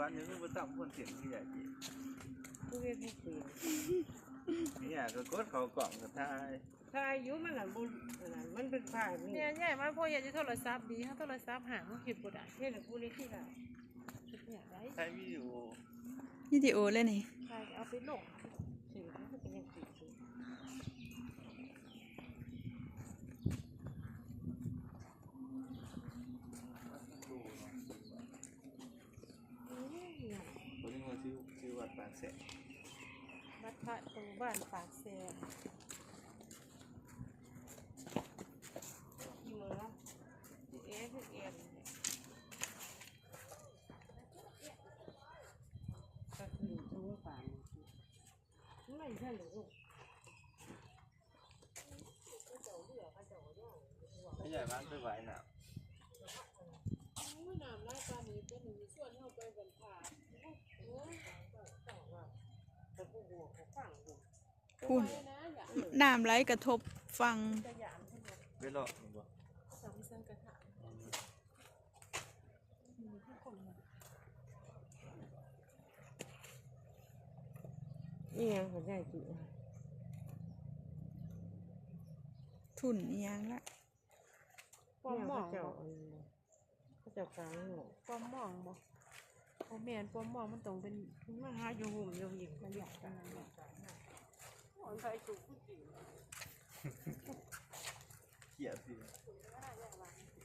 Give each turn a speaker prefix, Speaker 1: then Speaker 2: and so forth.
Speaker 1: วันนี้ก็ต้องคนเสียงที่ใหญ่จีกูเรียกไม่เสียงเนี่ยก็กดเขากล่องกับทายอยู่มันหลังบุญมันเป็นผ่าน
Speaker 2: เนี่ยใหญ่มากพ่ออยากจะโทรศัพท์ดีถ้าโทรศัพท์หามันเห็นบ่ได้
Speaker 1: เห็นกูนี่ที่ไหน
Speaker 2: อยากได้
Speaker 1: ใช้
Speaker 3: วิดีโอเลยนี่
Speaker 2: ใช่เอาไปลงสื่อมันเป็นยังติดอยู่
Speaker 1: ตัวนี้มันชื่อวัดปากแสน
Speaker 2: วัดพระตรงบ้านปากแสนเหลือเอฟเอ็น
Speaker 1: ก็คือทุ่งป่านไม่ใช่หรือไม่ใหญ่บ้านไปไหวหนาว
Speaker 2: น้ำไล่ปลาหนีเป็นหนึ่งส่วนเข้าไปบนผา
Speaker 3: คุณน้ำไหลกระทบฟัง
Speaker 1: ไปหลอกบ่
Speaker 2: สามเส้นกระถาง
Speaker 1: นี่ยังเขาได้กี่
Speaker 3: ทุนยังละ
Speaker 2: ปอมมอง
Speaker 1: เขาจะกลางหรอ
Speaker 2: ปอมมองบ่โอแมนปอมมองมันต้องเป็นมันหาอยู่หุ่มอยู่หญิงมันอยากกันนั่นแหละคนไทยถูกผู้หญิง
Speaker 1: เขียดสิ